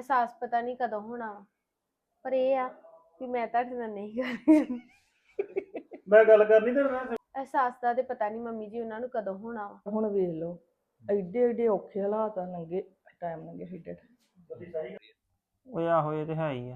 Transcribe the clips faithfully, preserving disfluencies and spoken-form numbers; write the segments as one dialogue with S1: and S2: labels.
S1: ਅਹਿਸਾਸ ਪਤਾ ਨਹੀਂ ਕਦੋਂ ਹੋਣਾ ਵਾ, ਪਰ ਇਹ ਆ ਵੀ ਮੈਂ ਤੁਹਾਡੇ ਨਾਲ ਨਹੀਂ ਕਰਦੀ।
S2: ਮੈਂ ਗੱਲ ਕਰਨੀ ਤੇ ਮੈਂ
S1: ਅਹਿਸਾਸ ਦਾ ਤੇ ਪਤਾ ਨਹੀਂ ਮੰਮੀ ਜੀ ਉਹਨਾਂ ਨੂੰ ਕਦੋਂ ਹੋਣਾ ਵਾ।
S3: ਹੁਣ ਵੇਖ ਲਓ ਐਡੇ ਐਡੇ ਔਖੇ ਹਾਲਾਤ ਆ ਲੰਗੇ ਟਾਈਮ ਲੰਗੇ ਏਡੇ
S4: ਓਏ ਆਹੋ ਇਹ ਤੇ ਹੈ ਹੀ ਆ।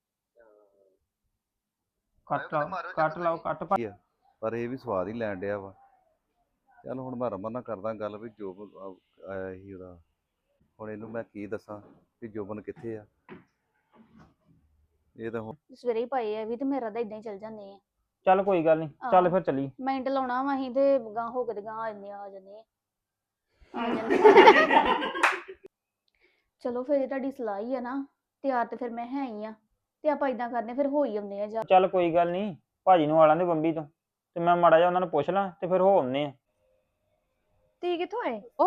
S4: ਕੱਟ ਲਾਓ ਕੱਟ ਲਾਓ ਕੱਟ ਪਾ
S5: ਪਰ ਇਹ ਵੀ ਸਵਾਦ ਹੀ ਲੈਣ ਡਿਆ ਵਾ। ਚੱਲ ਹੁਣ ਮੈਂ ਰਮਨ ਨਾਲ ਕਰਦਾ ਗੱਲ ਵੀ ਜੋਬਨ ਆਇਆ ਸੀ ਉਹਦਾ, ਹੁਣ ਇਹਨੂੰ ਮੈਂ ਕੀ ਦੱਸਾਂ ਵੀ ਜੋਬਨ ਕਿੱਥੇ ਆ। ਇਹ ਤਾਂ ਹੁਣ
S6: ਸਵੇਰੇ ਹੀ ਪਾਏ ਆ ਵੀ ਤੇ ਮੇਰਾ ਤਾਂ ਇਦਾਂ ਹੀ ਚੱਲ ਜਾਂਦੇ ਆ।
S4: ਚੱਲ ਕੋਈ ਗੱਲ ਨਹੀਂ, ਚੱਲ ਫਿਰ ਚੱਲੀ।
S6: ਮਿੰਟ ਲਾਉਣਾ ਵਾ ਅਸੀਂ ਤੇ ਗਾਂ ਹੋ ਕੇ ਤੇ ਗਾਂ ਆ ਜਾਂਦੇ ਆ ਜਾਂਦੇ ਆ ਆ ਜਾਂਦੇ ਚਲੋ ਫਿਰ ਤੁਹਾਡੀ ਸਲਾਹ ਹੀ ਆ ਨਾ, ਤਿਆਰ ਤੇ ਫਿਰ ਮੈਂ ਹੈ ਹੀ ਆ ਤੇ ਆਪਾਂ ਇਦਾਂ ਕਰਨੇ ਫਿਰ ਹੋ ਹੀ ਆਉਂਦੇ ਆ ਜਾ।
S4: ਚੱਲ ਕੋਈ ਗੱਲ ਨਹੀਂ, ਭਾਜੀ ਨੂੰ ਆਲਾਂ ਦੇ ਬੰਬੀ ਤੋਂ ਤੇ ਮੈਂ ਮਾੜਾ ਜਿਹਾ ਉਹਨਾਂ ਨੂੰ ਪੁੱਛ ਲਾਂ ਤੇ ਫਿਰ ਹੋ ਆਉਂਦੇ ਆ।
S1: ਤੀ ਕਿੱਥੋਂ ਆਏ?
S7: ਉਹ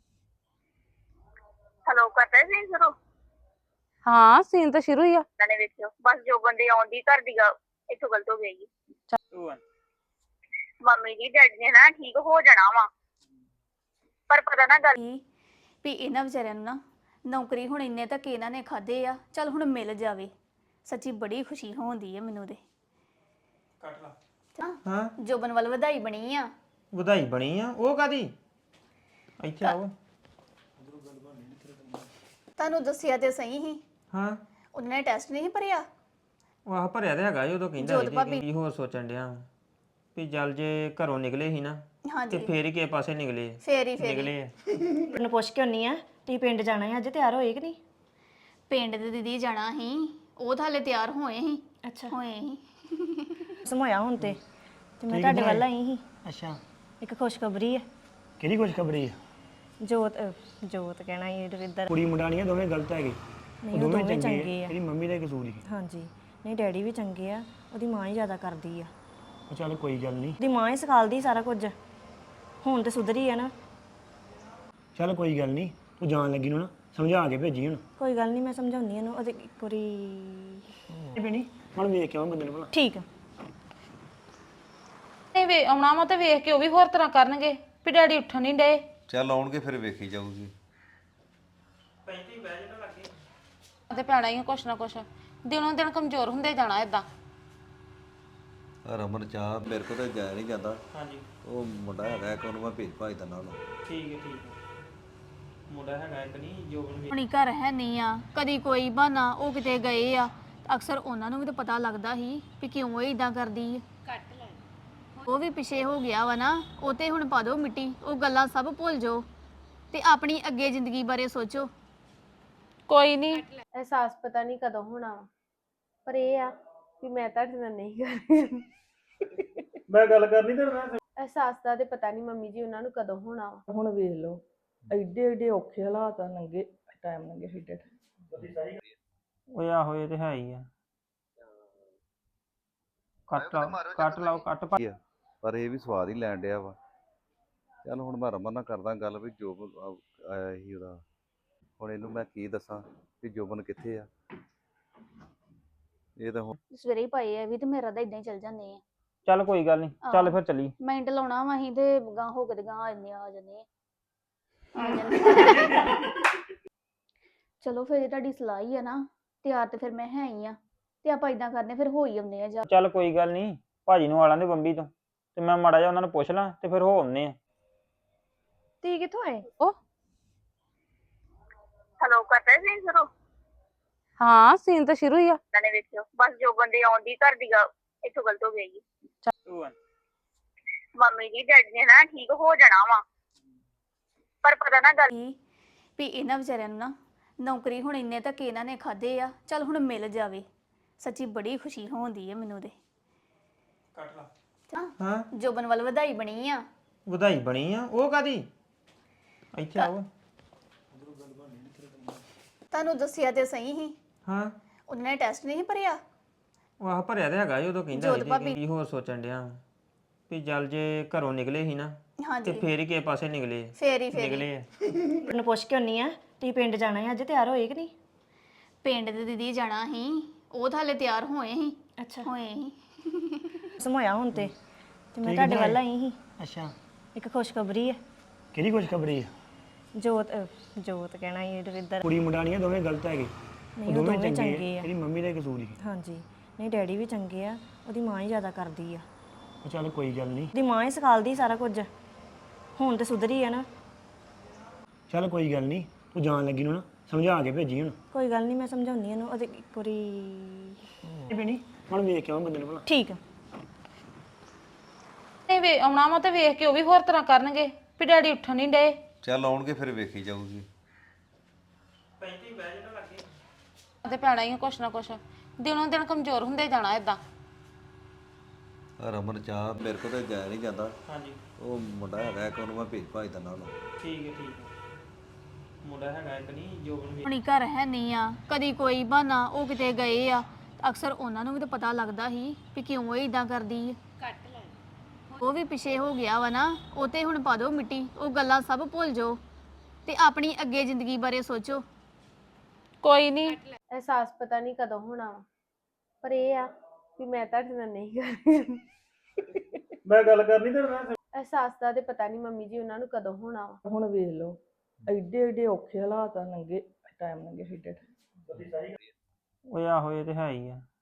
S8: ਹੈਲੋ ਕਰਦਾ ਸੀ ਸ਼ੁਰੂ?
S7: ਹਾਂ ਸੀਨ ਤਾਂ ਸ਼ੁਰੂ ਹੀ ਆ।
S8: ਨੇ ਵੇਖਿਓ ਬਸ ਜੋ ਬੰਦੇ ਆਉਂਦੀ ਘਰ ਦੀ ਗੱਲ ਇੱਥੋਂ ਗਲਤ ਹੋ ਗਈ। ਮੰਮੀ ਜੀ ਡੈਡੀ ਨੇ ਨਾ ਠੀਕ ਹੋ ਜਾਣਾ ਵਾ, ਪਰ ਪਤਾ ਨਾ ਗੱਲ
S6: ਵੀ ਇਹਨਾਂ ਵਿਚਾਰਿਆਂ ਨੂੰ ਨਾ ਨੌਕਰੀ ਹੁਣ ਇੰਨੇ ਤੱਕ ਇਹਨਾਂ ਨੇ ਖਾਦੇ ਆ, ਚੱਲ ਹੁਣ ਮਿਲ ਜਾਵੇ। ਸੱਚੀ ਬੜੀ ਖੁਸ਼ੀ ਹੋਉਂਦੀ ਹੈ ਮੈਨੂੰ ਤੇ।
S4: ਕੱਟ ਲਾ। ਹਾਂ
S6: ਜੋਬਨ ਵੱਲ ਵਧਾਈ ਬਣੀ ਆ।
S4: ਵਧਾਈ ਬਣੀ ਆ? ਉਹ ਕਾਦੀ? ਇੱਥੇ ਆਓ।
S6: ਤੁਹਾਨੂੰ ਦੱਸਿਆ ਤੇ ਸਹੀ ਹੀ।
S4: ਹਾਂ
S6: ਉਹਨਾਂ ਨੇ ਟੈਸਟ ਨਹੀਂ ਭਰਿਆ।
S4: ਉਹ ਆਹ ਭਰਿਆ ਤੇ ਹੈਗਾ ਉਦੋਂ ਕਹਿੰਦਾ
S6: ਜੋਤ
S4: ਸੀ
S6: ਭਾਬੀ।
S4: ਕੀ ਹੋਰ ਸੋਚਣ ਡਿਆ ਵੀ ਜਲ ਜੇ ਘਰੋਂ ਨਿਕਲੇ ਸੀ ਨਾ ਤੇ
S6: ਹਾਂਜੀ
S4: ਫੇਰ ਹੀ ਕਿਸੇ ਪਾਸੇ ਨਿਕਲੇ
S6: ਫੇਰ ਹੀ ਫੇਰ ਹੀ।
S4: ਨਿਕਲੇ ਆ।
S7: ਤੈਨੂੰ ਪੁੱਛ ਕੇ ਹੁੰਨੀ ਆ ਤੀ ਪਿੰਡ ਜਾਣਾ ਹੈ, ਅੱਜ ਤਿਆਰ ਹੋਏ ਕਿ ਨਹੀਂ?
S6: ਪਿੰਡ ਦੇ ਦੀਦੀ ਜਾਣਾ ਸੀ, ਉਹ ਤਾਂ ਹਲੇ ਤਿਆਰ ਹੋਏ ਸੀ।
S7: ਅੱਛਾ
S6: ਹੋਏ ਸੀ।
S7: ਸਮੋਇਆ ਹੁਣ ਤੇ ਤੇ ਮੈਂ ਤੁਹਾਡੇ ਵੱਲ ਆਈ ਸੀ।
S2: ਅੱਛਾ
S7: ਇੱਕ ਖੁਸ਼ਖਬਰੀ ਹੈ।
S2: ਕਿਹੜੀ ਖੁਸ਼ਖਬਰੀ ਆ?
S7: ਜੋਤ ਅਹ, ਜੋਤ ਕਹਿਣਾ ਇਹ ਰਵਿੰਦਰ
S2: ਕੁੜੀ ਮੁੰਡਾ ਨਹੀਂ ਆ, ਦੋਵੇਂ ਗਲਤ ਹੈਗੇ।
S7: ਨਹੀਂ ਉਹ ਦੋਵੇਂ ਚੰਗੇ ਆ।
S2: ਇਹਦੀ ਮੰਮੀ ਦਾ ਹੀ ਕਸੂਰ ਸੀ।
S7: ਹਾਂਜੀ ਨਹੀਂ ਡੈਡੀ ਵੀ ਚੰਗੇ ਆ, ਉਹਦੀ ਮਾਂ ਹੀ ਜ਼ਿਆਦਾ ਕਰਦੀ ਆ।
S2: ਉਹ ਚੱਲ ਕੋਈ ਗੱਲ ਨਹੀਂ,
S7: ਉਹਦੀ ਮਾਂ ਹੀ ਸਿਖਾਲਦੀ ਸਾਰਾ ਕੁਝ। ਹੁਣ ਤੇ ਸੁਧਰੀ ਆ ਨਾ।
S2: ਚੱਲ ਕੋਈ ਗੱਲ ਨਹੀਂ, ਤੂੰ ਜਾਣ ਲੱਗੀ ਨੂੰ ਨਾ ਸਮਝਾ ਕੇ ਭੇਜੀ ਹੁਣ।
S7: ਕੋਈ ਗੱਲ ਨਹੀਂ ਮੈਂ ਸਮਝਾਉਂਦੀ ਇਹਨੂੰ। ਉਹਦੇ ਇੱਕ ਵਾਰੀ
S2: ਇਹ ਬਣੀ ਹੁਣ ਵੇਖ ਕੇ ਆਵਾਂ ਬੰਦੇ ਨੂੰ ਭਲਾ।
S7: ਠੀਕ ਆ। ਨਹੀਂ ਵੇ ਆਉਣਾ ਵਾ ਤੇ ਵੇਖ ਕੇ ਉਹ ਵੀ ਹੋਰ ਤਰ੍ਹਾਂ ਕਰਨਗੇ ਵੀ ਡੈਡੀ ਉੱਠਣ ਨਹੀਂ ਡਏ।
S5: ਚੱਲ ਆਉਣਗੇ ਫਿਰ ਵੇਖੀ ਜਾਊਗੀ।
S7: ਤੇ ਪੈਣਾ ਹੀ ਆ ਕੁਛ ਨਾ ਕੁਛ, ਦਿਨੋਂ ਦਿਨ ਕਮਜ਼ੋਰ ਹੁੰਦੇ ਜਾਣਾ ਇਦਾਂ।
S5: ਰਮਨ ਚਾਹ ਮੇਰੇ ਕੋਲ ਤਾਂ ਜਾਇਆ ਨਹੀਂ ਜਾਂਦਾ।
S4: ਹਾਂਜੀ
S5: ਉਹ ਮੁੰਡਾ ਹੈਗਾ ਇੱਕ, ਉਹਨੂੰ ਮੈਂ ਭੇਜ ਭਾਜ ਦਿੰਦਾ ਉਹਨੂੰ।
S4: ਠੀਕ ਹੈ ਠੀਕ ਹੈ। ਮੁੰਡਾ ਹੈਗਾ ਇੱਕ ਨਹੀਂ ਜੋਬਨ ਵੀ।
S6: ਆਪਣੀ ਘਰ ਹੈ ਨਹੀਂ ਆ, ਕਦੀ ਕੋਈ ਬਹਾਨਾ ਉਹ ਕਿਤੇ ਗਏ ਆ। ਅਕਸਰ ਉਹਨਾਂ ਨੂੰ ਵੀ ਤਾਂ ਪਤਾ ਲੱਗਦਾ ਸੀ ਵੀ ਕਿਉਂ ਇਹ ਇਦਾਂ ਕਰਦੀ ਹੈ। ਉਹ ਵੀ ਪਿਛੇ ਹੋ ਗਿਆ ਵਾ ਨਾ, ਉਹ ਤੇ ਹੁਣ ਪਾ ਦਿਓ ਮਿੱਟੀ। ਉਹ ਗੱਲਾਂ ਸਭ ਭੁੱਲ ਜਾਓ ਤੇ ਆਪਣੀ ਅੱਗੇ ਜ਼ਿੰਦਗੀ ਬਾਰੇ ਸੋਚੋ।
S7: ਕੋਈ ਨਹੀਂ
S1: ਅਹਿਸਾਸ ਪਤਾ ਨਹੀਂ ਕਦੋਂ ਹੋਣਾ ਵਾ, ਪਰ ਇਹ ਆ ਵੀ ਮੈਂ ਤੁਹਾਡੇ ਨਾਲ ਨਹੀਂ ਕਰਦੀ।
S2: ਮੈਂ ਗੱਲ ਕਰਨੀ ਤੇ ਮੈਂ
S1: ਅਹਿਸਾਸ ਦਾ ਤੇ ਪਤਾ ਨਹੀਂ ਮੰਮੀ ਜੀ ਉਹਨਾਂ ਨੂੰ ਕਦੋਂ ਹੋਣਾ ਵਾ।
S3: ਹੁਣ ਵੇਖ ਲਓ ਐਡੇ ਐਡੇ ਔਖੇ ਹਾਲਾਤ ਆ ਲੰਗੇ ਟਾਈਮ ਲੰਗੇ ਏਡੇ
S4: ਓਏ ਆਹੋ ਇਹ ਤੇ ਹੈ ਹੀ ਆ। ਕੱਟ ਲਾਓ ਕੱਟ ਲਾਓ ਕੱਟ ਪਾ
S5: ਪਰ ਇਹ ਵੀ ਸਵਾਦ ਹੀ ਲੈਣ ਡਿਆ ਵਾ। ਚੱਲ ਹੁਣ ਮੈਂ ਰਮਨ ਨਾਲ ਕਰਦਾ ਗੱਲ ਵੀ ਜੋਬਨ ਆਇਆ ਸੀ ਉਹਦਾ, ਹੁਣ ਇਹਨੂੰ ਮੈਂ ਕੀ ਦੱਸਾਂ ਵੀ ਜੋਬਨ ਕਿੱਥੇ ਆ। ਇਹ ਤਾਂ ਹੁਣ
S6: ਸਵੇਰੇ ਹੀ ਪਾਏ ਆ ਵੀ ਤੇ ਮੇਰਾ ਤਾਂ ਇਦਾਂ ਹੀ ਚੱਲ ਜਾਂਦੇ ਆ।
S4: ਚੱਲ ਕੋਈ ਗੱਲ ਨਹੀਂ, ਚੱਲ ਫਿਰ ਚੱਲੀ।
S6: ਮਿੰਟ ਲਾਉਣਾ ਵਾ ਅਸੀਂ ਤੇ ਗਾਂ ਹੋ ਕੇ ਤੇ ਗਾਂ ਆ ਜਾਂਦੇ ਆ ਜਾਂਦੇ ਆ ਆ ਜਾਂਦੇ ਚਲੋ ਫਿਰ ਤੁਹਾਡੀ ਸਲਾਹ ਹੀ ਆ ਨਾ, ਤਿਆਰ ਤੇ ਫਿਰ ਮੈਂ ਹੈ ਹੀ ਆ ਤੇ ਆਪਾਂ ਇਦਾਂ ਕਰਨੇ ਫਿਰ ਹੋ ਹੀ ਆਉਂਦੇ ਆ ਜਾ।
S4: ਚੱਲ ਕੋਈ ਗੱਲ ਨਹੀਂ, ਭਾਜੀ ਨੂੰ ਆਲਾਂ ਦੇ ਬੰਬੀ ਤੋਂ ਤੇ ਮੈਂ ਮਾੜਾ ਜਿਹਾ ਉਹਨਾਂ ਨੂੰ ਪੁੱਛ ਲਾਂ ਤੇ ਫਿਰ ਹੋ ਆਉਂਦੇ ਆ।
S1: ਤੀ ਕਿੱਥੋਂ ਆਏ?
S7: ਉਹ
S8: ਹੈਲੋ ਕਰਦਾ ਸੀ ਸ਼ੁਰੂ?
S7: ਹਾਂ ਸੀਨ ਤਾਂ ਸ਼ੁਰੂ ਹੀ ਆ।
S8: ਨੇ ਵੇਖਿਓ ਬਸ ਜੋ ਬੰਦੇ ਆਉਂਦੀ ਘਰ ਦੀ ਗੱਲ ਇੱਥੋਂ ਗਲਤ ਹੋ ਗਈ। ਮੰਮੀ ਜੀ ਡੈਡੀ ਨੇ ਨਾ ਠੀਕ ਹੋ ਜਾਣਾ ਵਾ, ਪਰ ਪਤਾ ਨਾ ਗੱਲ
S6: ਵੀ ਇਹਨਾਂ ਵਿਚਾਰਿਆਂ ਨੂੰ ਨਾ ਨੌਕਰੀ ਹੁਣ ਇੰਨੇ ਤੱਕ ਇਹਨਾਂ ਨੇ ਖਾਦੇ ਆ, ਚੱਲ ਹੁਣ ਮਿਲ ਜਾਵੇ। ਸੱਚੀ ਬੜੀ ਖੁਸ਼ੀ ਹੋਉਂਦੀ ਹੈ ਮੈਨੂੰ ਤੇ।
S4: ਕੱਟ ਲਾ। ਹਾਂ
S6: ਜੋਬਨ ਵੱਲ ਵਧਾਈ ਬਣੀ ਆ।
S4: ਵਧਾਈ ਬਣੀ ਆ? ਉਹ ਕਾਦੀ? ਇੱਥੇ ਆਓ।
S6: ਤੁਹਾਨੂੰ ਦੱਸਿਆ ਤੇ ਸਹੀ ਹੀ।
S4: ਹਾਂ
S6: ਉਹਨਾਂ ਨੇ ਟੈਸਟ ਨਹੀਂ ਭਰਿਆ।
S4: ਉਹ ਆਹ ਭਰਿਆ ਤੇ ਹੈਗਾ ਉਦੋਂ ਕਹਿੰਦਾ
S6: ਜੋਤ
S4: ਸੀ
S6: ਭਾਬੀ।
S4: ਕੀ ਹੋਰ ਸੋਚਣ ਡਿਆ ਵੀ ਜਲ ਜੇ ਘਰੋਂ ਨਿਕਲੇ ਸੀ ਨਾ ਤੇ
S6: ਹਾਂਜੀ
S4: ਫੇਰ ਹੀ ਕਿਸੇ ਪਾਸੇ ਨਿਕਲੇ
S6: ਫੇਰ ਹੀ ਫੇਰ ਹੀ।
S4: ਨਿਕਲੇ ਆ।
S7: ਤੈਨੂੰ ਪੁੱਛ ਕੇ ਹੁੰਨੀ ਆ ਤੀ ਪਿੰਡ ਜਾਣਾ ਹੈ, ਅੱਜ ਤਿਆਰ ਹੋਏ ਕਿ ਨਹੀਂ?
S6: ਪਿੰਡ ਦੇ ਦੀਦੀ ਜਾਣਾ ਸੀ, ਉਹ ਤਾਂ ਹਲੇ ਤਿਆਰ ਹੋਏ ਸੀ।
S7: ਅੱਛਾ
S6: ਹੋਏ ਸੀ।
S7: ਸਮੋਇਆ ਹੁਣ ਤੇ ਤੇ ਮੈਂ ਤੁਹਾਡੇ ਵੱਲ ਆਈ ਸੀ।
S2: ਅੱਛਾ
S7: ਇੱਕ ਖੁਸ਼ਖਬਰੀ ਹੈ।
S2: ਕਿਹੜੀ ਖੁਸ਼ਖਬਰੀ ਆ?
S7: ਜੋਤ ਅਹ, ਜੋਤ ਕਹਿਣਾ ਇਹ ਰਵਿੰਦਰ
S2: ਕੁੜੀ ਮੁੰਡਾ ਨਹੀਂ ਆ, ਦੋਵੇਂ ਗਲਤ ਹੈਗੇ। ਉਹ
S9: ਉਹ
S2: ਦੋਵੇਂ
S9: ਦੋਵੇਂ
S2: ਚੰਗੇ
S9: ਚੰਗੇ
S2: ਆ
S9: ਆ।
S2: ਤੇਰੀ ਮੰਮੀ ਦਾ ਹੀ ਕਸੂਰ ਹੀ
S9: ਹਾਂਜੀ ਨਹੀਂ ਡੈਡੀ ਵੀ ਚੰਗੇ ਆ, ਉਹਦੀ ਮਾਂ ਹੀ ਜ਼ਿਆਦਾ ਕਰਦੀ ਆ।
S2: ਉਹ ਚੱਲ ਕੋਈ ਗੱਲ ਨਹੀਂ
S9: ਉਹਦੀ ਮਾਂ ਹੀ ਸਿਖਾਲਦੀ ਸਾਰਾ ਕੁਝ, ਹੁਣ ਤੇ ਸੁਧਰੀ ਆ ਨਾ।
S2: ਚੱਲ ਕੋਈ ਗੱਲ ਨਹੀਂ ਤੂੰ ਜਾਣ ਲੱਗੀ ਨੂੰ ਨਾ ਸਮਝਾ ਕੇ ਭੇਜੀ ਹੁਣ
S9: ਕੋਈ ਗੱਲ ਨਹੀਂ, ਮੈਂ ਸਮਝਾਉਂਦੀ ਇਹਨੂੰ। ਉਹਦੇ ਇੱਕ ਵਾਰੀ
S2: ਇਹ ਭੈਣੀ ਹੁਣ ਵੇਖ ਕੇ ਆਵਾਂ ਬੰਦੇ ਨੂੰ ਭਲਾ
S9: ਠੀਕ ਆ।
S7: ਨਹੀਂ ਵੇ ਆਉਣਾ ਵਾ ਤੇ ਵੇਖ ਕੇ ਉਹ ਵੀ ਹੋਰ ਤਰ੍ਹਾਂ ਕਰਨਗੇ ਵੀ ਡੈਡੀ ਉੱਠਣ ਨਹੀਂ ਡਏ।
S5: ਚੱਲ ਆਉਣਗੇ ਫਿਰ ਵੇਖੀ ਜਾਊਗੀ।
S7: ਤੇ ਪੈਣਾ ਹੀ ਆ ਕੁਛ ਨਾ ਕੁਛ, ਦਿਨੋਂ ਦਿਨ ਕਮਜ਼ੋਰ ਹੁੰਦੇ ਜਾਣਾ ਇਦਾਂ।
S5: ਰਮਨ ਚਾਹ ਮੇਰੇ ਕੋਲ ਤਾਂ ਜਾਇਆ ਨਹੀਂ ਜਾਂਦਾ। ਹਾਂਜੀ ਉਹ ਮੁੰਡਾ ਹੈਗਾ ਇੱਕ, ਉਹਨੂੰ ਮੈਂ ਭੇਜ ਭਾਜ ਦਿੰਦਾ ਉਹਨੂੰ।
S4: ਠੀਕ ਹੈ ਠੀਕ ਹੈ ਮੁੰਡਾ ਹੈਗਾ ਇੱਕ ਨਹੀਂ ਜੋ
S6: ਹੁਣੀ ਘਰ ਹੈ ਨਹੀਂ ਆ, ਕਦੀ ਕੋਈ ਬਹਾਨਾ ਉਹ ਕਿਤੇ ਗਏ ਆ। ਅਕਸਰ ਉਹਨਾਂ ਨੂੰ ਵੀ ਤਾਂ ਪਤਾ ਲੱਗਦਾ ਸੀ ਵੀ ਕਿਉਂ ਇਹ ਇਦਾਂ ਕਰਦੀ ਆ। ਉਹ ਵੀ ਪਿਛੇ ਹੋ ਗਿਆ ਵਾ ਨਾ, ਉਹ ਤੇ ਹੁਣ ਪਾ ਦਿਓ ਮਿੱਟੀ, ਉਹ ਗੱਲਾਂ ਸਭ ਭੁੱਲ ਜਾਓ ਤੇ ਆਪਣੀ ਅੱਗੇ ਜ਼ਿੰਦਗੀ ਬਾਰੇ ਸੋਚੋ।
S7: ਕੋਈ ਨਹੀਂ
S1: ਅਹਿਸਾਸ ਪਤਾ ਨਹੀਂ ਕਦੋਂ ਹੋਣਾ ਵਾ, ਪਰ ਇਹ ਆ ਵੀ ਮੈਂ ਤੁਹਾਡੇ ਨਾਲ ਨਹੀਂ ਕਰਦੀ।
S4: ਮੈਂ ਗੱਲ ਕਰਨੀ ਤੇ ਮੈਂ
S1: ਅਹਿਸਾਸ ਦਾ ਤੇ ਪਤਾ ਨਹੀਂ ਮੰਮੀ ਜੀ ਉਹਨਾਂ ਨੂੰ ਕਦੋਂ ਹੋਣਾ ਵਾ।
S3: ਹੁਣ ਵੇਖ ਲਓ ਐਡੇ ਐਡੇ ਔਖੇ ਹਾਲਾਤ ਆ, ਲੰਗੇ ਟਾਈਮ ਲੰਗੇ ਏਡੇ
S4: ਓਏ ਆਹੋ ਇਹ ਤੇ ਹੈ ਹੀ ਆ।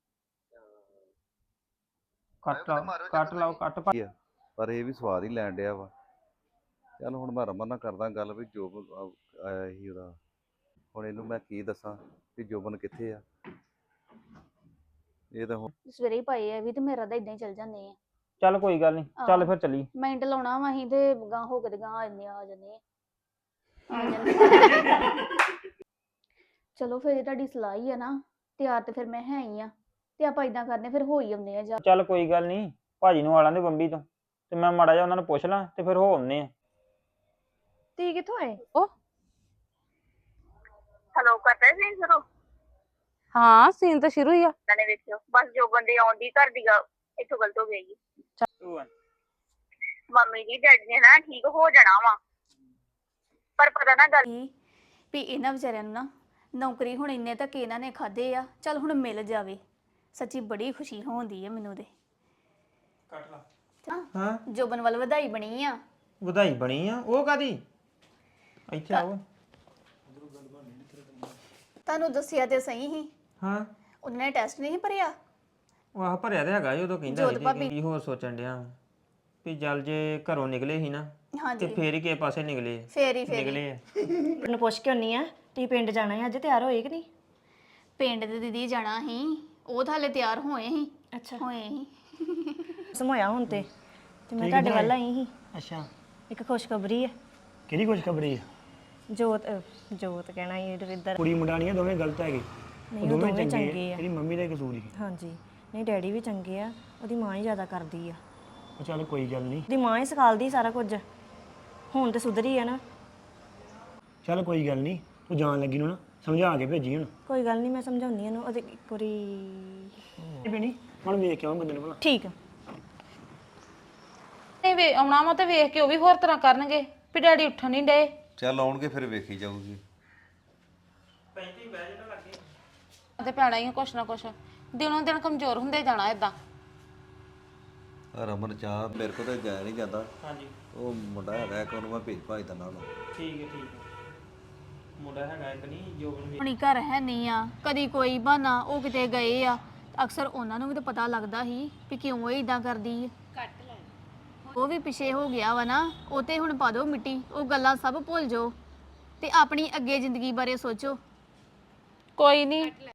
S4: ਕੱਟ ਲਾਓ ਕੱਟ ਲਾਓ ਕੱਟ ਪਾ-
S5: ਕੀ ਆ, ਪਰ ਇਹ ਵੀ ਸਵਾਦ ਹੀ ਲੈਣ ਡਿਆ ਵਾ। ਚੱਲ ਹੁਣ ਮੈਂ ਰਮਨ ਨਾਲ ਕਰਦਾ ਗੱਲ ਵੀ ਜੋਬਨ ਆ- ਆਇਆ ਸੀ ਉਹਦਾ, ਹੁਣ ਇਹਨੂੰ ਮੈਂ ਕੀ ਦੱਸਾਂ ਵੀ ਜੋਬਨ ਕਿੱਥੇ ਆ। ਇਹ ਤਾਂ ਹੁਣ
S6: ਸਵੇਰੇ ਹੀ ਪਾਏ ਆ ਵੀ ਤੇ ਮੇਰਾ ਤਾਂ ਇਦਾਂ ਹੀ ਚੱਲ ਜਾਂਦੇ ਆ।
S4: ਚੱਲ ਕੋਈ ਗੱਲ ਨਹੀਂ ਚੱਲ ਫਿਰ ਚੱਲੀ।
S6: ਮਿੰਟ ਲਾਉਣਾ ਵਾ ਅਸੀਂ ਤੇ ਗਾਂ ਹੋ ਕੇ ਤੇ ਗਾਂ ਆ ਜਾਂਦੇ ਆ ਆ ਜਾਂਦੇ ਆ ਆ ਜਾਂਦੇ। ਚਲੋ ਫਿਰ ਇਹ ਤੁਹਾਡੀ ਸਲਾਹ ਹੀ ਆ ਨਾ, ਤਿਆਰ ਤੇ ਫਿਰ ਮੈਂ ਹੈ ਹੀ ਆ, ਤੇ ਆਪਾਂ ਇਦਾਂ ਕਰਨੇ ਫਿਰ ਹੋ ਹੀ ਆਉਂਦੇ ਆ ਜਾ।
S4: ਚੱਲ ਕੋਈ ਗੱਲ ਨਹੀਂ ਭਾਜੀ ਨੂੰ ਆਲਾਂ ਦੇ ਬੰਬੀ ਤੋਂ, ਤੇ ਮੈਂ ਮਾੜਾ ਜਿਹਾ ਉਹਨਾਂ ਨੂੰ ਪੁੱਛ ਲਾਂ ਤੇ ਫਿਰ ਹੋ ਆਉਂਦੇ ਆ।
S9: ਤੀ ਕਿੱਥੋਂ ਆਏ?
S8: ਹਲੋ ਕਰਦਾ ਸੀ ਸ਼ੁਰੂ
S7: ਹਾਂ ਸੀਨ ਤਾਂ ਸ਼ੁਰੂ ਹੀ ਆ।
S8: ਨੇ ਵੇਖਿਓ ਬਸ ਜੋ ਬੰਦੇ ਆਉਂਦੀ ਘਰ ਦੀ ਗਾ ਇੱਥੋਂ ਗਲਤ ਹੋ ਗਈ। ਮੰਮੀ ਜੀ ਡੈਡੀ ਨੇ ਨਾ ਠੀਕ ਹੋ ਜਾਣਾ ਵਾ, ਪਰ ਪਤਾ ਨਾ ਗੱਲ
S6: ਕੀ ਵੀ ਇਹਨਾਂ ਵਿਚਾਰਿਆਂ ਨੂੰ ਨਾ ਨੌਕਰੀ ਹੁਣ ਇੰਨੇ ਤੱਕ ਇਹਨਾਂ ਨੇ ਖਾਦੇ ਆ, ਚੱਲ ਹੁਣ ਮਿਲ ਜਾਵੇ। ਸੱਚੀ ਬੜੀ ਖੁਸ਼ੀ ਹੁੰਦੀ ਹੈ ਮੈਨੂੰ ਤੇ।
S4: ਕੱਟ ਲਾ
S6: ਹਾਂ
S4: ਹਾਂ
S6: ਜੋਬਨ ਵੱਲ ਵਧਾਈ ਬਣੀ ਆ।
S4: ਵਧਾਈ ਬਣੀ ਆ ਉਹ ਕਾਦੀ ਇੱਥੇ ਆਓ।
S6: ਤੁਹਾਨੂੰ ਦੱਸਿਆ ਤੇ ਸਹੀ ਹੀ,
S4: ਹਾਂ
S6: ਉਹਨਾਂ ਨੇ ਟੈਸਟ ਨਹੀਂ ਭਰਿਆ।
S4: ਉਹ ਆਹ ਭਰਿਆ ਤੇ ਹੈਗਾ ਸੀ, ਉਦੋਂ ਕਹਿੰਦਾ
S6: ਜੋਤ
S4: ਸੀ
S6: ਭਾਬੀ।
S4: ਕਿ ਕੀ ਹੋਰ ਸੋਚਣ ਡਿਆ ਵਾਂ। ਵੀ ਚੱਲ ਜੇ ਘਰੋਂ ਨਿਕਲੇ ਸੀ ਨਾ ਤੇ
S6: ਹਾਂਜੀ
S4: ਫੇਰ ਹੀ ਕਿਸੇ ਪਾਸੇ ਨਿਕਲੇ
S6: ਫੇਰੀ ਫੇਰੀ
S4: ਨਿਕਲੇ ਆ।
S9: ਉਹਨੂੰ ਪੁੱਛ ਕੇ ਆਉਣੀ ਆ, ਤੀ ਪਿੰਡ ਜਾਣਾ ਹੈ ਅੱਜ, ਤਿਆਰ ਹੋਏ ਕਿ ਨਹੀਂ?
S6: ਪਿੰਡ ਦੇ ਦੀਦੀ ਜਾਣਾ ਸੀ, ਉਹ ਤਾਂ ਹਾਲੇ ਤਿਆਰ ਹੋਏ ਸੀ।
S9: ਅੱਛਾ
S6: ਹੋਏ ਸੀ
S9: ਸਮੋਇਆ ਹੁਣ ਤੇ ਤੇ ਮੈਂ ਤੁਹਾਡੇ ਵੱਲ ਆਈ ਸੀ।
S2: ਅੱਛਾ
S9: ਇੱਕ ਖੁਸ਼ਖਬਰੀ ਹੈ।
S2: ਕਿਹੜੀ ਖੁਸ਼ਖਬਰੀ ਆ?
S9: ਜੋਤ ਅਹ, ਜੋਤ ਕਹਿਣਾ ਹੀ ਇੱਧਰ।
S2: ਕੁੜੀ ਮੁੰਡਾ ਨਹੀਂ ਆ, ਦੋਵੇਂ ਗਲਤ ਹੈਗੇ।
S9: ਨਹੀਂ
S2: ਉਹ
S9: ਉਹ
S2: ਦੋਵੇਂ
S9: ਦੋਵੇਂ
S2: ਚੰਗੇ
S9: ਚੰਗੇ
S2: ਆ
S9: ਆ।
S2: ਤੇਰੀ ਮੰਮੀ ਦਾ ਹੀ ਕਸੂਰ ਹੀ
S9: ਹਾਂਜੀ ਨਹੀਂ ਡੈਡੀ ਵੀ ਚੰਗੇ ਆ, ਉਹਦੀ ਮਾਂ ਹੀ ਜ਼ਿਆਦਾ ਕਰਦੀ ਆ।
S2: ਉਹ ਚੱਲ ਕੋਈ ਗੱਲ ਨਹੀਂ
S9: ਉਹਦੀ ਮਾਂ ਹੀ ਸਿਖਾਲਦੀ ਸਾਰਾ ਕੁਝ, ਹੁਣ ਤੇ ਸੁਧਰੀ ਆ ਨਾ।
S2: ਚੱਲ ਕੋਈ ਗੱਲ ਨਹੀਂ ਤੂੰ ਜਾਣ ਲੱਗੀ ਨੂੰ ਨਾ ਸਮਝਾ ਕੇ ਭੇਜੀ ਹੁਣ
S9: ਕੋਈ ਗੱਲ ਨਹੀਂ, ਮੈਂ ਸਮਝਾਉਂਦੀ ਇਹਨੂੰ। ਉਹਦੇ ਇੱਕ ਵਾਰੀ
S2: ਇਹ ਭੈਣੀ ਹੁਣ ਵੇਖ ਕੇ ਆਵਾਂ ਬੰਦੇ ਨੂੰ ਭਲਾ
S9: ਠੀਕ ਆ।
S7: ਨਹੀਂ ਵੇ ਆਉਣਾ ਵਾ ਤੇ ਵੇਖ ਕੇ ਉਹ ਵੀ ਹੋਰ ਤਰ੍ਹਾਂ ਕਰਨਗੇ ਵੀ ਡੈਡੀ ਉੱਠਣ ਨਹੀਂ ਡਏ।
S5: ਚੱਲ ਆਉਣਗੇ ਫਿਰ ਵੇਖੀ ਜਾਊਗੀ।
S7: ਤੇ ਪੈਣਾ ਹੀ ਆ ਕੁਛ ਨਾ ਕੁਛ, ਦਿਨੋਂ ਦਿਨ ਕਮਜ਼ੋਰ ਹੁੰਦੇ ਜਾਣਾ ਇਦਾਂ।
S5: ਰਮਨ ਚਾਹ ਮੇਰੇ ਕੋਲ ਤਾਂ ਜਾਇਆ ਨਹੀਂ ਜਾਂਦਾ।
S4: ਹਾਂਜੀ
S5: ਉਹ ਮੁੰਡਾ ਹੈਗਾ ਇੱਕ, ਉਹਨੂੰ ਮੈਂ ਭੇਜ ਭਾਜ ਦਿੰਦਾ ਉਹਨੂੰ।
S4: ਠੀਕ ਹੈ ਠੀਕ ਹੈ ਮੁੰਡਾ ਹੈਗਾ ਇੱਕ ਨਹੀਂ ਜੋ
S6: ਹੁਣੀ ਘਰ ਹੈ ਨਹੀਂ ਆ, ਕਦੀ ਕੋਈ ਬਹਾਨਾ ਉਹ ਕਿਤੇ ਗਏ ਆ। ਅਕਸਰ ਉਹਨਾਂ ਨੂੰ ਵੀ ਤਾਂ ਪਤਾ ਲੱਗਦਾ ਸੀ ਵੀ ਕਿਉਂ ਇਹ ਇਦਾਂ ਕਰਦੀ ਆ। ਉਹ ਵੀ ਪਿਛੇ ਹੋ ਗਿਆ ਵਾ ਨਾ, ਉਹ ਤੇ ਹੁਣ ਪਾ ਦਿਓ ਮਿੱਟੀ, ਉਹ ਗੱਲਾਂ ਸਭ ਭੁੱਲ ਜਾਓ ਤੇ ਆਪਣੀ ਅੱਗੇ ਜ਼ਿੰਦਗੀ ਬਾਰੇ ਸੋਚੋ।
S7: ਕੋਈ ਨਹੀਂ